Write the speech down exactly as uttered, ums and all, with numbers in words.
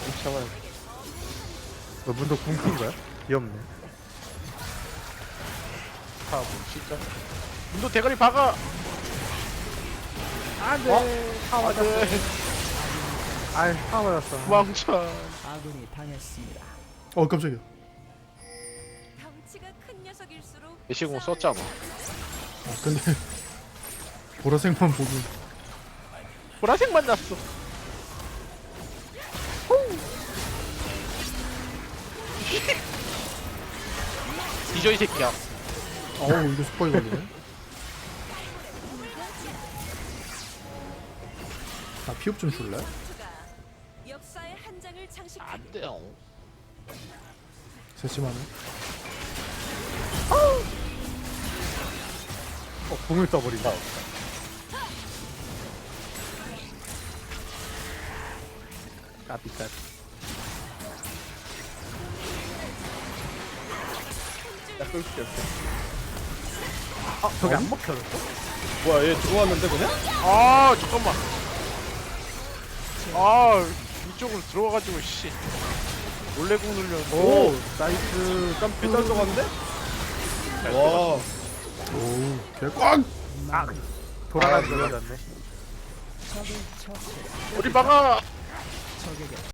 잡아야 돼. 너 문도 궁킨 거야? 귀엽네. 아, 뭐 진짜. 문도 대가리 박아. 안돼. 어? 아 맞았어. 안돼. 아이 아 맞았어. 왕천. 아군이 당했습니다. 어 깜짝이야. 덩치가 큰 녀석일수록 예시공 썼잖아. 아, 근데 보라색만 보긴. 보라색만 났어. 뒤져 이 새끼야. 어우 이거 스파이 걸리네. 나 피업 좀 줄래? 투가 역사의 한 장을 장식한 안 돼요. 세심하네. 어 궁을 써버린다. 까비 까비. 나 끌 수 없어. 아 저기 안 먹혀졌어? 뭐야 얘 들어왔는데 그냥? 아 잠깐만. 아 이쪽으로 들어와가지고 씨. 몰래 공 눌렸는데. 오 나이스 점프. 배달 들어갔는데? 잘 와 오우 개꽝. 아 돌아가는 아, 거 맞았네. 적을 처치. 어디 박아. 적에게